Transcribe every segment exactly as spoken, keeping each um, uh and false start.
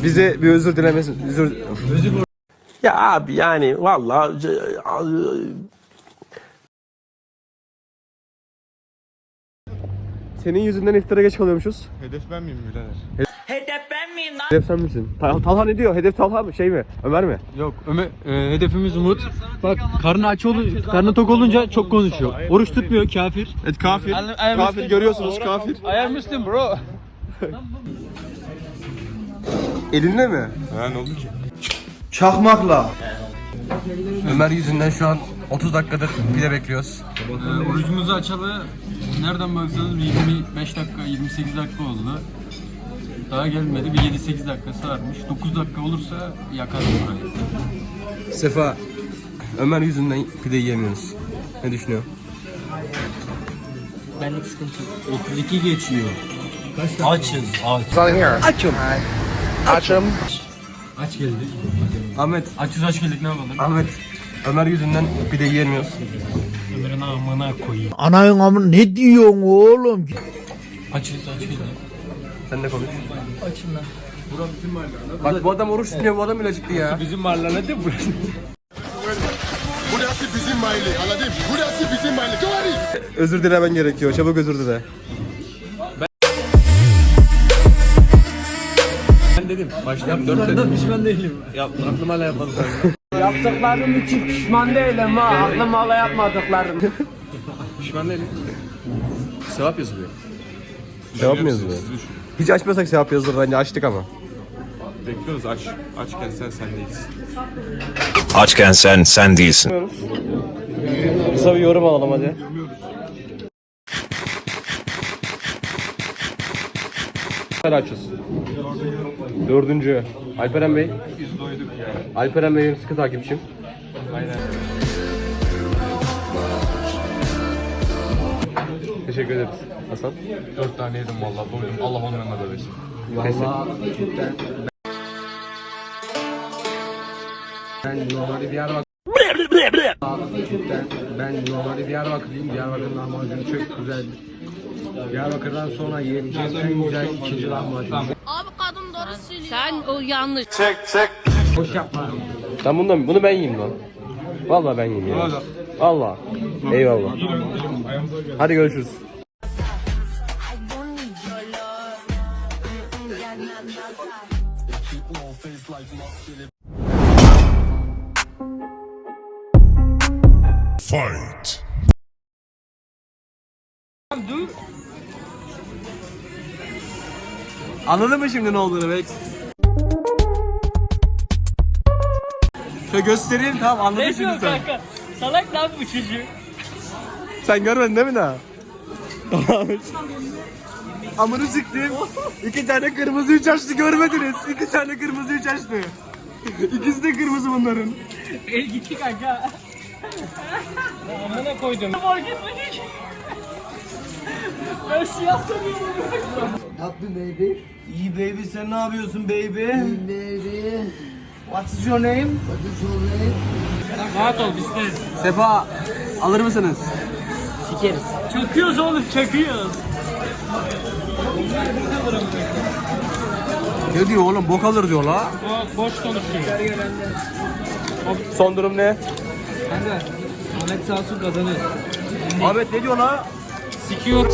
Bize bir özür dilemesin. Özür... özür... Ya abi yani vallahi Senin yüzünden iftara geç kalıyormuşuz. Hedef ben miyim birader? Hedef ben miyim lan? Hedef sen misin? Ta- Talha ne diyor? Hedef Talha mı? Şey mi? Ömer mi? Yok Ömer, e, hedefimiz Umut. Bak karnı aç olunca, karnı tok olunca çok konuşuyor. Oruç tutmuyor kafir. Evet kafir. Kafir görüyorsunuz kafir. I am Muslim bro. Elinle mi? Ha ne oldu ki? Çakmakla. Ömer yüzünden şu an otuz dakikadır pide bekliyoruz. E, orucumuzu açalı nereden baksanız bir yirmi beş dakika yirmi sekiz dakika oldu. Daha gelmedi, bir yedi sekiz dakikası varmış. dokuz dakika olursa yakarız burayı. Sefa, Ömer yüzünden pide yiyemiyoruz. Ne düşünüyorsun? Benlik sıkıntı yok. otuz iki geçiyor. Açız, aç. Açım. Açım. Aç geldik. Ahmet, Açız aç geldik ne yapalım? Ahmet. Ömer yüzünden pide yiyemiyoruz. Ömer'in amına koyayım. Anayın amına ne diyorsun oğlum? Açız aç geldik. Sen de konuş. Açım lan. Bak bu adam oruç tutuyor, bu adam bile acıktı ya. Bizim mahallede değil burası. Burası bizim mahalle anladın? Burası bizim mahalle. Doğru. Özür dilemen gerekiyor, çabuk özür dile. Ben dedim. Baştan dört dedim. Pişman değilim. Ya aklım hala yapmadı. Yaptıklarım için pişman değilim ha. Aklım hala yapmadıklarım. Pişman değilim. Sevap yazılıyor. Sevap mı yazılıyor? Hiç açmasak sevap yazılır bence, açtık ama. Bekliyoruz aç. Açken sen sen değilsin. açken sen sen değilsin. Kısa bir yorum alalım hadi. Açız. Dördüncü. Alperen Bey. Biz doyduk ya. Alperen Bey benim sıkı takipçim. Aynen. Teşekkür ederiz. Hasan. Dört tane yedim vallahi doydum. Allah onun yanına böylesin. Ben normalde Diyarbakır. Ben normalde Diyarbakırlıyım. Diyarbakır'ın lahmacunu çok güzeldir. Diyarbakır'dan sonra yiyebileceğim en güzel ikinci lahmacun. Abi kadın doğru söylüyor. Sen o yanlış. Boş yapma. Sen bundan, bunu ben yiyeyim lan. Vallahi ben yiyeyim ya. Allah. Eyvallah. Hadi görüşürüz. Fight. Anladın mı şimdi ne olduğunu bek? Şöyle göstereyim, tamam anladın şimdi sen. Salak lan bu çocuğu. Sen görmedin değil mi daha? Tamam. Amını siktim. İki tane kırmızı üç açtı görmediniz. İki tane kırmızı üç açtı. İkisi de kırmızı bunların. El gitti kanka. Amına koydum. Fark etmedik. Ben siyah sanıyorum. Tatlı baby. İyi baby sen ne yapıyorsun baby? Baby. What is your name? What is your name? Rahat ol bizde. Sefa alır mısınız? Sikeriz. Çakıyoruz oğlum çakıyoruz. Ne diyor oğlum, bok alır diyor la. O boş konuşuyor. Son durum ne? Kanka Ahmet Sasun kazanır. Ahmet ne diyor la? Sikiyor.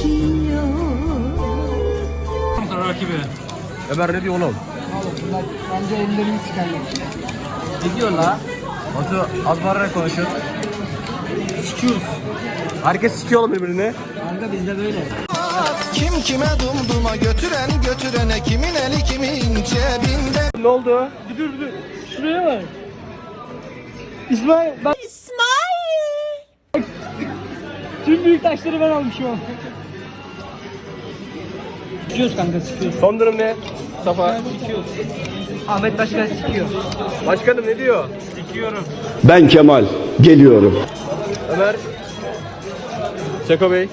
Rakibi. Ömer ne diyor oğlum? Bence ellerimi sikerler. Ne diyor la? Batu az bağırarak konuşuyor. Sikiyoruz. Herkes sikiyor oğlum birbirini. Kanka bizde böyle. Kim kime dumduma götüren götürene kimin eli kimin cebinde. Ne oldu? Dur dur. Şuraya bak. İsmail bak. İsmail. Tüm büyük taşları ben almışım. Sikiyoruz kanka sikiyoruz. Son durum ne? Safa. Sikiyoruz. Ahmet Başkan sikiyor. Başkanım ne diyor? Ben Kemal, geliyorum. Ömer. Seko Bey.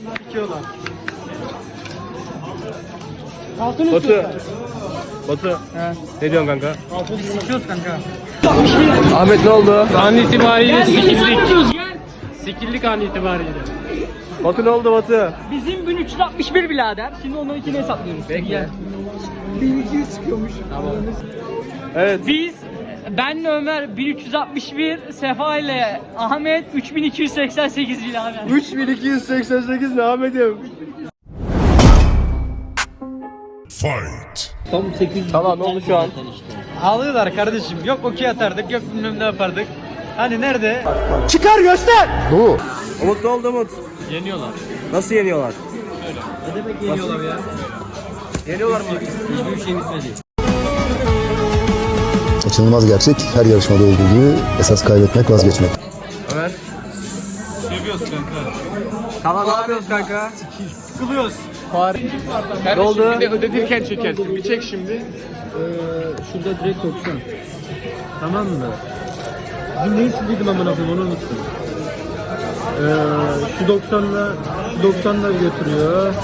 Altını Batu. Batu. Ne diyorsun kanka? sikiyoruz kanka. Ahmet ne oldu? An itibariyle sikildik. Sikildik an itibariyle. Batu ne oldu Batu? Bizim bin üç yüz altmış bir birader. Şimdi onu ikine hesaplıyoruz. Bekle. bin iki yüz çıkıyormuş. Evet. Biz benle Ömer bin üç yüz altmış bir, Sefa ile Ahmet üç bin iki yüz seksen sekiz birader. üç bin iki yüz seksen sekiz ne Ahmet'im? Tam sekiz yüz. Tamam ne oldu şu an? Ağlıyorlar kardeşim. Yok okey atardık, yok bilmem ne yapardık. Hani nerede? Çıkar göster. Bu. Umut ne oldu Umut? Yeniyorlar. Nasıl yeniyorlar? Ne demek yeniyorlar ya? Yeniyorlar mı? Hiçbir şey bitmedi. Kaçınılmaz gerçek her yarışmada olduğu gibi esas kaybetmek vazgeçmek. Ömer. Seviyoruz kanka. Tamam ne yapıyoruz kanka? Sıkılıyoruz. Ne oldu? Bir de ödetirken çekersin. Bir çek şimdi. Ee, şurada direkt doksan. Tamam mı? Bizim neyi sildiydim amına koyayım onu unuttum. Ee, şu doksanla şu doksanla götürüyor.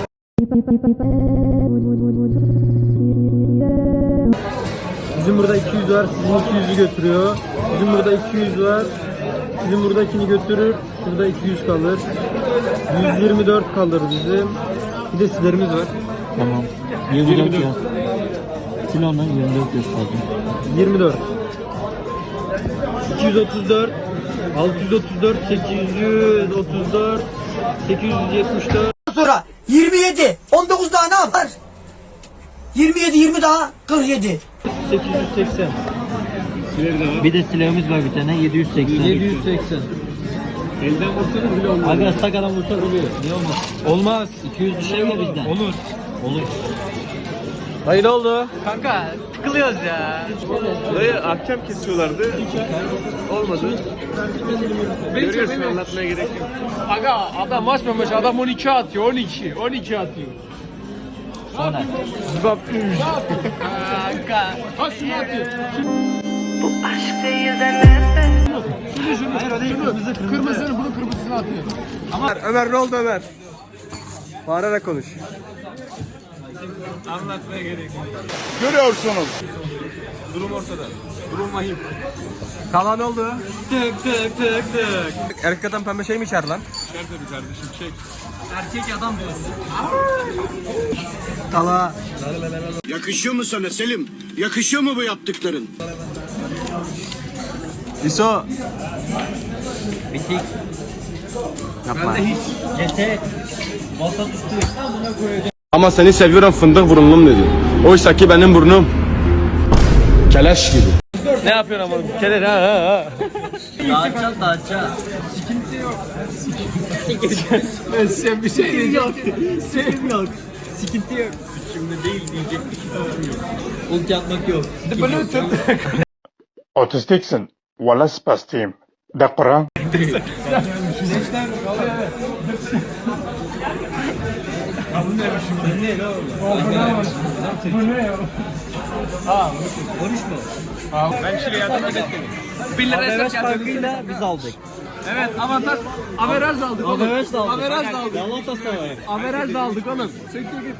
Bizim burada iki yüz var, sizin iki yüzü götürüyor. Bizim burada iki yüz var. Bizim buradakini götürür. Şurada iki yüz kalır. yüz yirmi dört kalır bizim. Bir de sizlerimiz var. Tamam. yirmi dört ya. Silahla yirmi dört gösterdim. yirmi dört. iki yüz otuz dört. altı yüz otuz dört. sekiz yüz otuz dört. sekiz yüz yetmiş dört. Sonra yirmi yedi. on dokuz daha ne yapar? yirmi yedi, yirmi daha kırk yedi. sekiz yüz seksen. Bir de silahımız var bir tane yedi yüz seksen. yedi yüz seksen. Elden vursanız bile olmaz. Aga sakadan vursak oluyor. Niye olmaz? Olmaz. iki yüz bir şey ya bizden. Olur. Olur. Dayı ne oldu? Kanka tıkılıyoruz ya. Dayı ahkam kesiyorlardı. Olmadı. Görüyorsun anlatmaya gerek yok. Aga adam açmamış. Adam on iki atıyor. on iki. on iki atıyor. Sonra. Kanka. Ha şunu atıyor. Hayır o değil. Kırmızı kırmızı. Kırmızını bunun kırmızısını atıyor. Ömer, Ömer ne oldu Ömer? Bağırarak konuş. Anlatmaya gerek yok. Görüyorsunuz. Durum ortada. Durum vahim. Kala ne oldu? Tık tık tık tık. Erkek adam pembe şey mi içer lan? Şer tabii kardeşim çek. Erkek adam diyorsun. Kala. Yakışıyor mu sana Selim? Yakışıyor mu bu yaptıkların? İso. Bitik. Yapma. Ceset. Masa tuttu. Amına koyacağım. Ama seni seviyorum fındık burunlum dedi. Oysa ki benim burnum keleş gibi. Ne yapıyorsun ama? Keler ha ha ha. Dağıtacağım dağıtacağım. Sen bir şey diyeceğim. Sevim yok. Sıkıntı yok. Şimdi değil diyecek bir şey yok. Ulti atmak yok. Otistiksin. Valla spastiyim. De Kur'an. Ben Şile'ye yardıma gittim. Bir lira Averaj farkıyla biz aldık. Evet avantaj. Averaj aldık oğlum. Averaj da aldık. Averaj da aldık. Galatasaray. Averaj da aldık oğlum. Söktür git.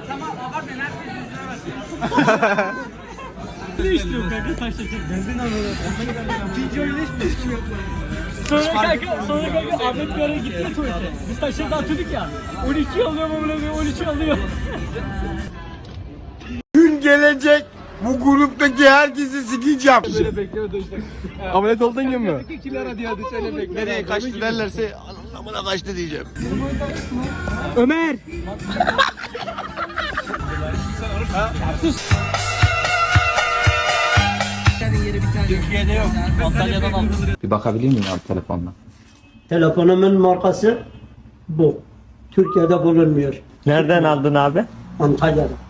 Ne istiyorsun kanka taş çekin? Benzin alalım. İkinci oyunda hiçbir şey yok. Sonra kanka, sonra kanka Ahmet bir ara gitti tuvalete. Biz taşları dağıtıyorduk ya. on iki alıyor mu bunu? on üçü alıyor. Gün gelecek. Bu gruptaki herkesi sikeceğim. Böyle bekleme işte. Ameliyat oldun gibi mi? iki lira diye hadi şöyle bekle. Nereye kaçtı derlerse anlamına kaçtı diyeceğim. Ömer! Türkiye'de yok. Antalya'dan aldım. Bir bakabilir miyim abi telefonla? Telefonumun markası bu. Türkiye'de bulunmuyor. Nereden aldın abi? Antalya'da.